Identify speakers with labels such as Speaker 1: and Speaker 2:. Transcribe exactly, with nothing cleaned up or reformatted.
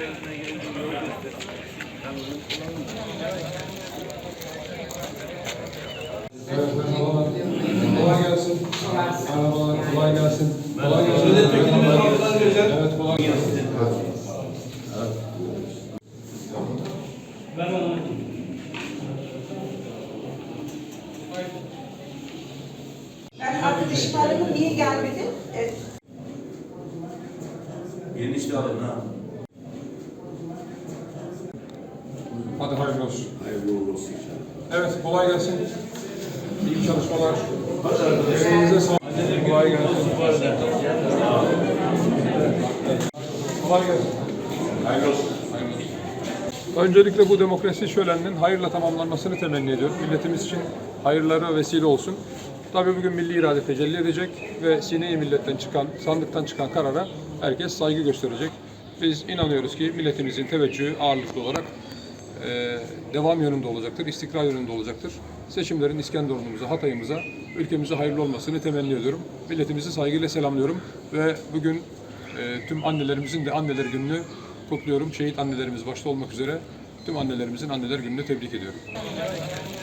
Speaker 1: Evet, merhabalar. Kolay gelsin. Merhabalar, kolay gelsin. Kolay gelsin. Evet, kolay gelsin.
Speaker 2: Ben arkadaşım aradım, niye gelmedi? Evet.
Speaker 3: Yeni işte alın ha.
Speaker 1: Hadi hayırlı olsun.
Speaker 3: Hayırlı uğurlu olsun inşallah.
Speaker 1: Evet, kolay gelsin. İyi çalışmalar.
Speaker 3: Hadi arkadaşlar.
Speaker 1: Elinize sağlık. Kolay gelsin. Kolay gelsin.
Speaker 3: Hayırlı olsun.
Speaker 1: Öncelikle bu demokrasi şöleninin hayırla tamamlanmasını temenni ediyorum. Milletimiz için hayırlara vesile olsun. Tabii bugün milli irade tecelli edecek ve sine-i milletten çıkan, sandıktan çıkan karara herkes saygı gösterecek. Biz inanıyoruz ki milletimizin teveccühü ağırlıklı olarak e, devam yönünde olacaktır, istikrar yönünde olacaktır. Seçimlerin İskenderun'umuza, Hatay'ımıza, ülkemize hayırlı olmasını temenni ediyorum. Milletimizi saygıyla selamlıyorum ve bugün e, tüm annelerimizin de anneler gününü kutluyorum. Şehit annelerimiz başta olmak üzere tüm annelerimizin anneler gününü tebrik ediyorum.